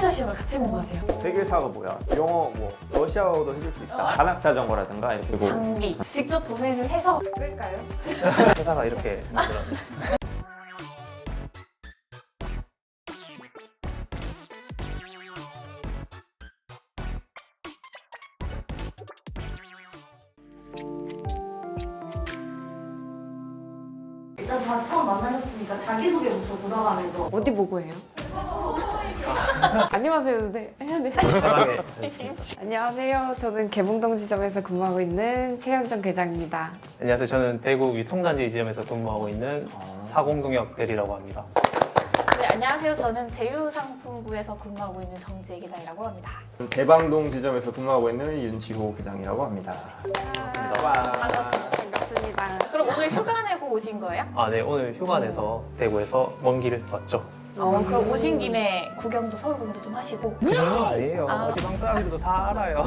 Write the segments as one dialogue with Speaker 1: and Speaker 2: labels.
Speaker 1: 회계사 시험을 같이 공부하세요.
Speaker 2: 회계사가 뭐야? 영어 뭐 러시아어도 해줄 수 있다. 반학 자전거라든가 이렇게.
Speaker 1: 장비 직접 구매를 해서 끌까요?
Speaker 3: 회사가 이렇게 만들었네.
Speaker 4: 일단 다 처음 만나셨으니까 자기소개부터 돌아가면서
Speaker 5: 어디 보고 해요? 안녕하세요. 네. 해야 돼.
Speaker 3: 편하게.
Speaker 5: 안녕하세요. 저는 개봉동 지점에서 근무하고 있는 최현정 계장입니다.
Speaker 3: 안녕하세요. 저는 대구 유통단지 지점에서 근무하고 있는 사공동역 대리라고 합니다.
Speaker 1: 네, 안녕하세요. 저는 제휴상품부에서 근무하고 있는 정지혜 기장이라고 합니다.
Speaker 2: 대방동 지점에서 근무하고 있는 윤지호 계장이라고 합니다.
Speaker 5: 반갑습니다.
Speaker 1: 그럼 오늘 휴가 내고 오신 거예요?
Speaker 3: 아, 네. 오늘 휴가 내서 대구에서 먼 길을 왔죠.
Speaker 1: 그럼 오신 김에 구경도 서울 구경도 좀 하시고.
Speaker 3: 그런 아니에요.
Speaker 1: 아.
Speaker 3: 지방 사람들도 다 알아요.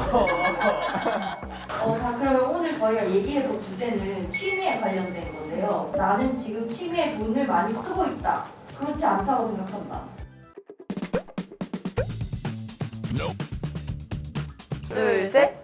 Speaker 4: 자, 그러면 오늘 저희가 얘기해볼 주제는 취미에 관련된 건데요. 나는 지금 취미에 돈을 많이 쓰고 있다. 그렇지 않다고 생각한다.
Speaker 1: 둘, 셋.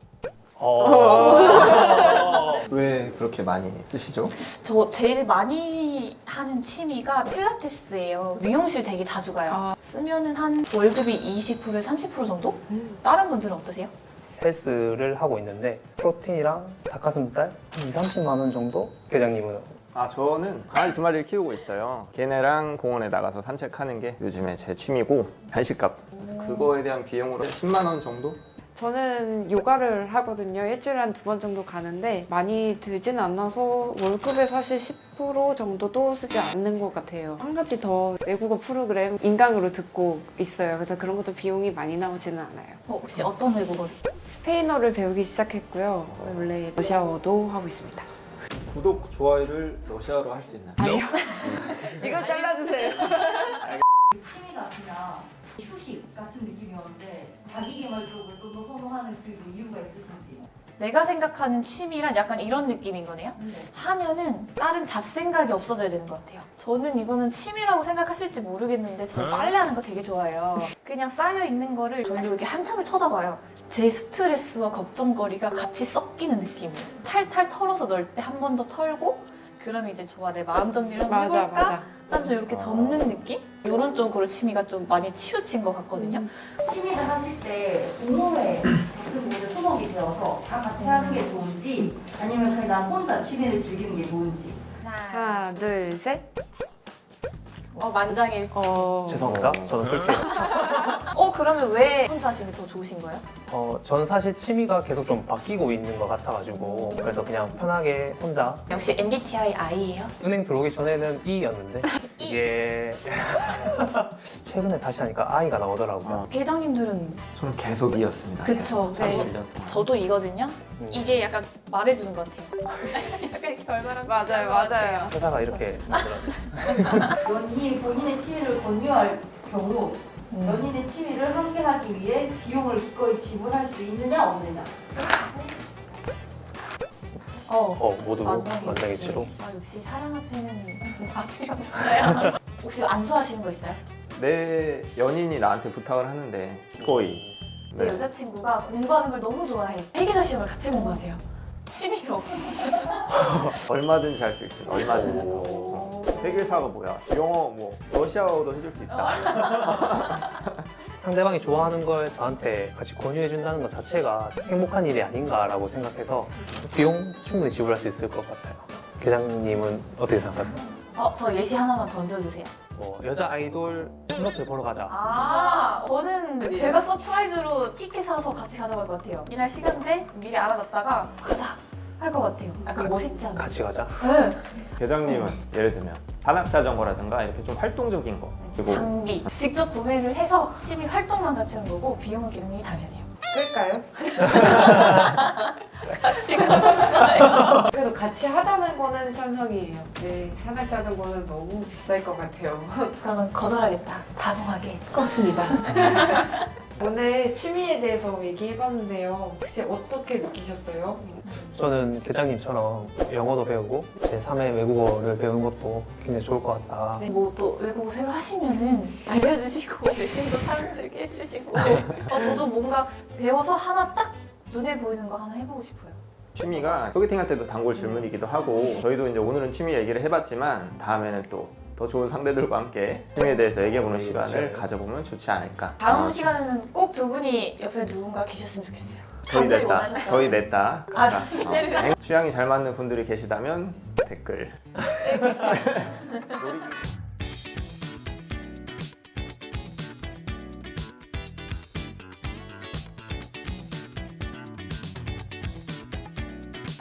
Speaker 2: 왜 그렇게 많이 쓰시죠?
Speaker 1: 저 제일 많이 하는 취미가 필라테스예요. 미용실 되게 자주 가요. 쓰면은 한 월급이 20%에서 30% 정도? 다른 분들은 어떠세요?
Speaker 3: 헬스를 하고 있는데 프로틴이랑 닭가슴살 한 2, 30만 원 정도? 계장님은?
Speaker 2: 아, 저는 강아지 2마리를 키우고 있어요. 걔네랑 공원에 나가서 산책하는 게 요즘에 제 취미고 간식값. 그래서 그거에 대한 비용으로 10만 원 정도?
Speaker 5: 저는 요가를 하거든요. 일주일에 한 2번 정도 가는데 많이 들진 않아서 월급의 사실 10% 정도도 쓰지 않는 것 같아요. 한 가지 더 외국어 프로그램 인강으로 듣고 있어요. 그래서 그런 것도 비용이 많이 나오지는 않아요.
Speaker 1: 혹시 어떤 외국어?
Speaker 5: 스페인어를 배우기 시작했고요. 원래 러시아어도 하고 있습니다.
Speaker 2: 구독, 좋아요를 러시아어로 할 수 있나요?
Speaker 5: 아니요. 이거 잘라주세요.
Speaker 4: 취미가 그냥 휴식 같은 느낌이었는데 자기개발 쪽을 좀 더 선호하는 그 이유가 있으신지.
Speaker 1: 내가 생각하는 취미란 약간 이런 느낌인 거네요. 하면은 다른 잡생각이 없어져야 되는 것 같아요. 저는 이거는 취미라고 생각하실지 모르겠는데 저 빨래하는 거 되게 좋아해요. 그냥 쌓여있는 거를 돌리고 이렇게 한참을 쳐다봐요. 제 스트레스와 걱정거리가 같이 섞이는 느낌이에요. 탈탈 털어서 넣을 때 한 번 더 털고 그럼 이제 좋아, 내 마음 정리를 한번
Speaker 5: 맞아,
Speaker 1: 해볼까?
Speaker 5: 맞아.
Speaker 1: 하면서 이렇게 접는 느낌? 이런 쪽으로 취미가 좀 많이 치우친 것 같거든요.
Speaker 4: 취미를 하실 때 동호회 같은 곳에 소속이 되어서 다 같이 하는 게 좋은지 아니면 그냥 나 혼자 취미를 즐기는 게 좋은지.
Speaker 5: 하나, 둘, 셋.
Speaker 1: 만장일치.
Speaker 3: 죄송합니다. 저는 그렇게.
Speaker 1: 그러면 왜 혼자 하시는 게 더 좋으신 거예요?
Speaker 3: 전 사실 취미가 계속 좀 바뀌고 있는 것 같아가지고 그래서 그냥 편하게 혼자
Speaker 1: 역시 MBTI I예요?
Speaker 3: 은행 들어오기 전에는 E였는데 이게 최근에 다시 하니까 I가 나오더라고요.
Speaker 1: 계장님들은
Speaker 2: 저는 계속 이었습니다.
Speaker 1: 그쵸. 네.
Speaker 2: 31년 동안.
Speaker 1: 저도 이거든요. 이게 약간 말해주는 것 같아요. 약간 이렇게 얼마나
Speaker 5: 맞아요, 맞아요.
Speaker 3: 회사가 이렇게 만들었네.
Speaker 4: 연인이 본인의 취미를 권유할 경우 연인의 취미를 함께 하기 위해 비용을 기꺼이 지불할 수 있느냐 없느냐.
Speaker 3: 모두 만장일치로.
Speaker 1: 역시 사랑 앞에는 다 필요 없어요. 혹시 안 좋아하시는 거 있어요?
Speaker 2: 내 연인이 나한테 부탁을 하는데 기꺼이.
Speaker 1: 내 여자친구가 공부하는 걸 너무 좋아해. 회계사 시험을 같이 공부하세요. 취미로.
Speaker 2: 얼마든지 할 수 있어요. 얼마든지. 회계사가 뭐야? 영어 뭐 러시아어도 해줄 수 있다.
Speaker 3: 상대방이 좋아하는 걸 저한테 같이 권유해준다는 것 자체가 행복한 일이 아닌가라고 생각해서 비용 충분히 지불할 수 있을 것 같아요. 계장님은 어떻게 생각하세요?
Speaker 1: 저 예시 하나만 던져주세요.
Speaker 3: 여자 아이돌 콘서트 보러 가자.
Speaker 1: 저는 제가 서프라이즈로 티켓 사서 같이 가자고 할 것 같아요. 이날 시간대 미리 알아놨다가 가자 할 것 같아요. 약간 멋있지 않아요?
Speaker 3: 같이 가자.
Speaker 1: 네.
Speaker 2: 계장님은 예를 들면 반학 자전거라든가 이렇게 좀 활동적인 거. 그리고
Speaker 1: 장비 직접 구매를 해서 취미 활동만 같이 한 거고 비용은 계장님이 다 내야 돼요.
Speaker 5: 끌까요?
Speaker 1: 같이 가셨어요.
Speaker 5: 그래도 같이 하자는 거는 찬성이에요. 네, 산악 자전거는 너무 비쌀 것 같아요.
Speaker 1: 그러면 거절하겠다. 단호하게 껐습니다.
Speaker 5: 오늘 취미에 대해서 얘기해봤는데요. 혹시 어떻게 느끼셨어요?
Speaker 3: 저는 교장님처럼 영어도 배우고 제3의 외국어를 배우는 것도 굉장히 좋을 것 같다.
Speaker 1: 네, 뭐 또 외국어 새로 하시면은 알려주시고 내신도 참들게 해주시고 저도 뭔가 배워서 하나 딱 눈에 보이는 거 하나 해보고 싶어요.
Speaker 2: 취미가 소개팅 할 때도 단골 질문이기도 하고 저희도 이제 오늘은 취미 얘기를 해봤지만 다음에는 또 더 좋은 상대들과 함께 취미에 대해서 얘기해보는 시간을 가져보면 좋지 않을까.
Speaker 1: 다음 시간에는 꼭 두 분이 옆에 누군가 계셨으면 좋겠어요.
Speaker 2: 저희
Speaker 1: 갑자기
Speaker 2: 냈다.
Speaker 1: 원하시죠?
Speaker 2: 저희 냈다.
Speaker 1: 아,
Speaker 2: 취향이 잘 맞는 분들이 계시다면 댓글.